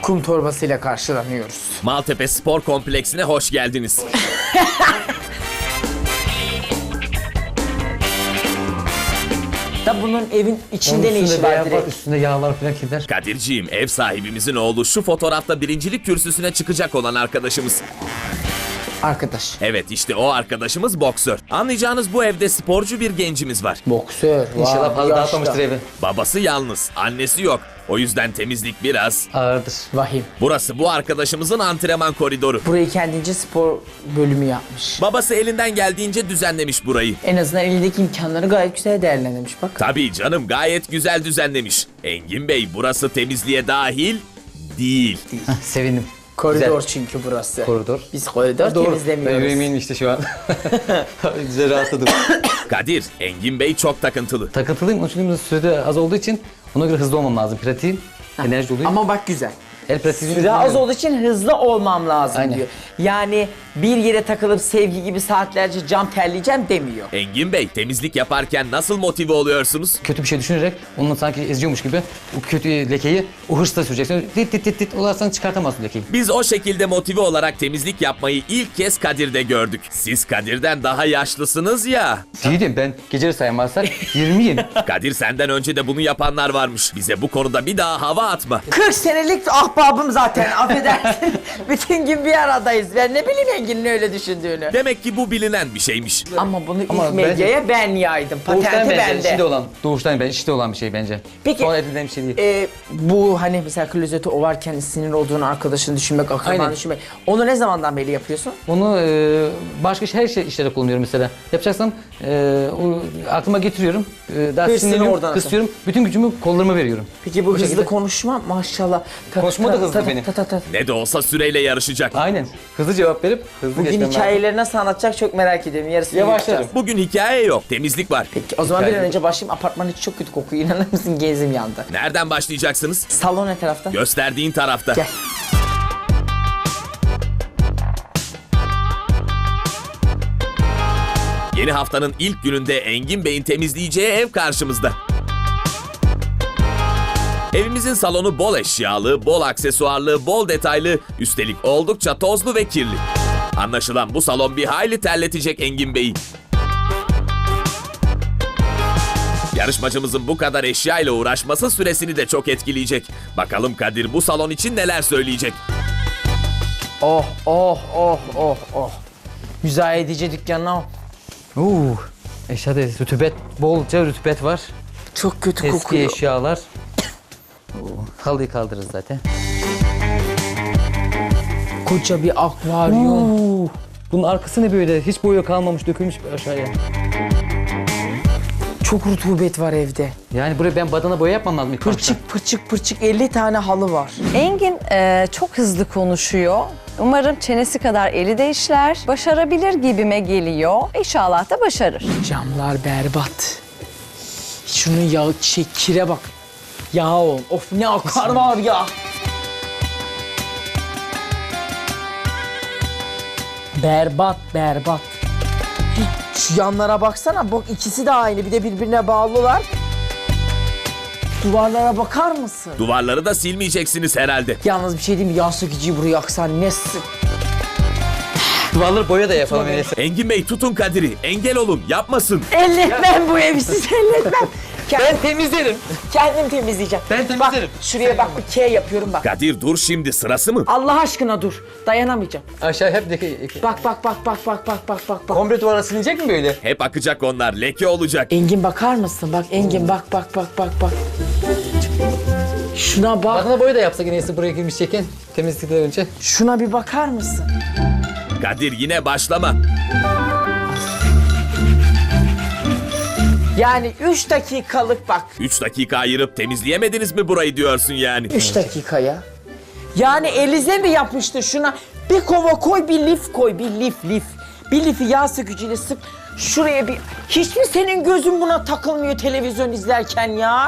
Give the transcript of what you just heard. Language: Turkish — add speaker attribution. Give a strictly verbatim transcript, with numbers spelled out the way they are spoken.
Speaker 1: kum torbasıyla karşılanıyoruz.
Speaker 2: Maltepe Spor Kompleksine hoş geldiniz.
Speaker 1: Da bunun evin içinde ne işi var direkt?
Speaker 3: Üstünde yağlar falan gider.
Speaker 2: Kadirciğim, ev sahibimizin oğlu şu fotoğrafta birincilik kürsüsüne çıkacak olan arkadaşımız.
Speaker 1: Arkadaş.
Speaker 2: Evet, işte o arkadaşımız boksör. Anlayacağınız bu evde sporcu bir gencimiz var.
Speaker 1: Boksör.
Speaker 3: İnşallah
Speaker 1: vay,
Speaker 3: fazla
Speaker 1: yaşlı.
Speaker 3: dağıtmamıştır evi.
Speaker 2: Babası yalnız, annesi yok. O yüzden temizlik biraz.
Speaker 3: Ağırdır.
Speaker 1: Vahim.
Speaker 2: Burası bu arkadaşımızın antrenman koridoru.
Speaker 1: Burayı kendince spor bölümü yapmış.
Speaker 2: Babası elinden geldiğince düzenlemiş burayı.
Speaker 1: En azından elindeki imkanları gayet güzel değerlendirmiş bak.
Speaker 2: Tabii canım, gayet güzel düzenlemiş. Engin Bey, burası temizliğe dahil değil.
Speaker 3: Heh, sevindim.
Speaker 1: Koridor
Speaker 3: Güzel.
Speaker 1: çünkü burası.
Speaker 3: Koridor.
Speaker 1: Biz koridor
Speaker 3: Doğru. Ben
Speaker 1: temizlemiyoruz.
Speaker 3: yüreğime inmişti şu an. Güzel rahatladım.
Speaker 2: Kadir, Engin Bey çok takıntılı.
Speaker 3: Takıntılıyım. Onun için sürede az olduğu için ona göre hızlı olmam lazım. Pratiğim, enerji oluyor.
Speaker 1: Ama bak güzel.
Speaker 3: El pratiği.
Speaker 1: Süre az olduğu için hızlı olmam lazım
Speaker 3: Aynen.
Speaker 1: diyor. Yani bir yere takılıp sevgi gibi saatlerce cam terleyeceğim demiyor.
Speaker 2: Engin Bey, temizlik yaparken nasıl motive oluyorsunuz?
Speaker 3: Kötü bir şey düşünerek onu sanki eziyormuş gibi o kötü lekeyi o hırsla süreceksin. Tit tit tit tit olarsan çıkartamazsın lekeyi.
Speaker 2: Biz o şekilde motive olarak temizlik yapmayı ilk kez Kadir'de gördük. Siz Kadir'den daha yaşlısınız ya.
Speaker 3: Değilim ben geceleri saymazsak yirmiyim.
Speaker 2: Kadir, senden önce de bunu yapanlar varmış. Bize bu konuda bir daha hava atma.
Speaker 1: kırk senelik ahbabım zaten affedersin. Bütün gün bir aradayız. Ben ne bileyim Engin'in öyle düşündüğünü.
Speaker 2: Demek ki bu bilinen bir şeymiş.
Speaker 1: Ama bunu
Speaker 3: Ama
Speaker 1: ilk medyaya ben yaydım.
Speaker 3: Doğuştan
Speaker 1: Patenti
Speaker 3: bence,
Speaker 1: bende.
Speaker 3: içinde olan. Doğuştan ben içinde olan bir şey bence.
Speaker 1: Peki,
Speaker 3: Sonra edilen bir şey değil.
Speaker 1: e, bu hani mesela klozeti ovarken sinir olduğun arkadaşını düşünmek, akrabanı
Speaker 3: Aynen.
Speaker 1: düşünmek. Onu ne zamandan beri yapıyorsun?
Speaker 3: Onu e, başka şey, her şey işlere kullanıyorum mesela. Yapacaksam e, o, aklıma getiriyorum. E, daha
Speaker 1: Hırsını
Speaker 3: sinirleniyorum,
Speaker 1: oradan
Speaker 3: kısıyorum. Bütün gücümü kollarıma veriyorum.
Speaker 1: Peki bu, hızlı
Speaker 3: şekilde-
Speaker 1: konuşma maşallah. Ta-
Speaker 3: Konuşma da
Speaker 1: ta-
Speaker 3: hızlı
Speaker 1: ta-
Speaker 3: benim.
Speaker 1: ta- ta- ta.
Speaker 2: Ne de olsa süreyle yarışacak.
Speaker 3: Aynen. Hızlı cevap verip hızlı
Speaker 1: Bugün
Speaker 3: geçmem lazım.
Speaker 1: hikayeleri nasıl anlatacak çok merak ediyorum. Yarısını
Speaker 3: Yavaşlarım.
Speaker 1: yapacağız.
Speaker 2: Bugün hikaye yok, temizlik var.
Speaker 1: Peki o zaman bir an
Speaker 3: Hikaye.
Speaker 1: önce başlayayım. Apartman içi çok kötü kokuyor. İnanır mısın? Gezim yandı.
Speaker 2: Nereden başlayacaksınız?
Speaker 1: Salon ne tarafta?
Speaker 2: Gösterdiğin tarafta.
Speaker 1: Gel.
Speaker 2: Yeni haftanın ilk gününde Engin Bey'in temizleyeceği ev karşımızda. Evimizin salonu bol eşyalı, bol aksesuarlı, bol detaylı, üstelik oldukça tozlu ve kirli. Anlaşılan bu salon bir hayli terletecek Engin Bey'i. Yarışmacımızın bu kadar eşya ile uğraşması süresini de çok etkileyecek. Bakalım Kadir bu salon için neler söyleyecek?
Speaker 1: Oh oh oh oh oh. Müzayedeci dükkanına
Speaker 3: Uuu. Eşyada rütubet, bolca rütubet var.
Speaker 1: çok kötü
Speaker 3: Eski
Speaker 1: kokuyor.
Speaker 3: eşyalar. Oo, halıyı kaldırırız zaten.
Speaker 1: Koca bir akvaryum.
Speaker 3: Oo, bunun arkası ne böyle? Hiç boya kalmamış, dökülmüş aşağıya.
Speaker 1: Çok rutubet var evde.
Speaker 3: Yani buraya ben badana boya yapmam lazım ilk başta.
Speaker 1: Pırçık pırçık pırçık elli tane halı var.
Speaker 4: Engin e, çok hızlı konuşuyor. Umarım çenesi kadar eli de işler. Başarabilir gibime geliyor. İnşallah da başarır.
Speaker 1: Camlar berbat. Şunun yağ şey kire bak. Yağ ol. Of ne akar var ya. Berbat berbat. Şu yanlara baksana. Bak ikisi de aynı. Bir de birbirine bağlılar. Duvarlara bakar mısın?
Speaker 2: Duvarları da silmeyeceksiniz herhalde.
Speaker 1: Yalnız bir şey diyeyim mi? Yağ sökücüyü buraya yaksan ne sık.
Speaker 3: Duvarları boya da yapalım öyleyse.
Speaker 2: Engin Bey, tutun Kadir'i, engel olun, yapmasın.
Speaker 1: Elletmem bu evi siz elletmem. Kendim,
Speaker 3: Ben temizlerim.
Speaker 1: kendim temizleyeceğim.
Speaker 3: Ben temizlerim.
Speaker 1: Bak şuraya bak bir K yapıyorum bak.
Speaker 2: Kadir dur, şimdi sırası mı?
Speaker 1: Allah aşkına dur. Dayanamayacağım.
Speaker 3: Aşağı hep leke.
Speaker 1: Bak bak bak bak bak bak bak bak bak.
Speaker 3: Komple duvara silinecek mi böyle?
Speaker 2: Hep akacak onlar, leke olacak.
Speaker 1: Engin bakar mısın? Bak Engin bak bak bak bak bak. Şuna bak.
Speaker 3: Badana boya da yapsak yine buraya girmiş çeken temizlikten önce.
Speaker 1: Şuna bir bakar mısın?
Speaker 2: Kadir yine başlama.
Speaker 1: Yani üç dakikalık bak.
Speaker 2: Üç dakika ayırıp temizleyemediniz mi burayı diyorsun yani?
Speaker 1: Üç dakikaya. Yani elize mi yapıştı şuna? Bir kova koy, bir lif koy, bir lif lif. Bir lifi yağ sökücüyle sık. Şuraya bir... Hiç mi senin gözün buna takılmıyor televizyon izlerken ya?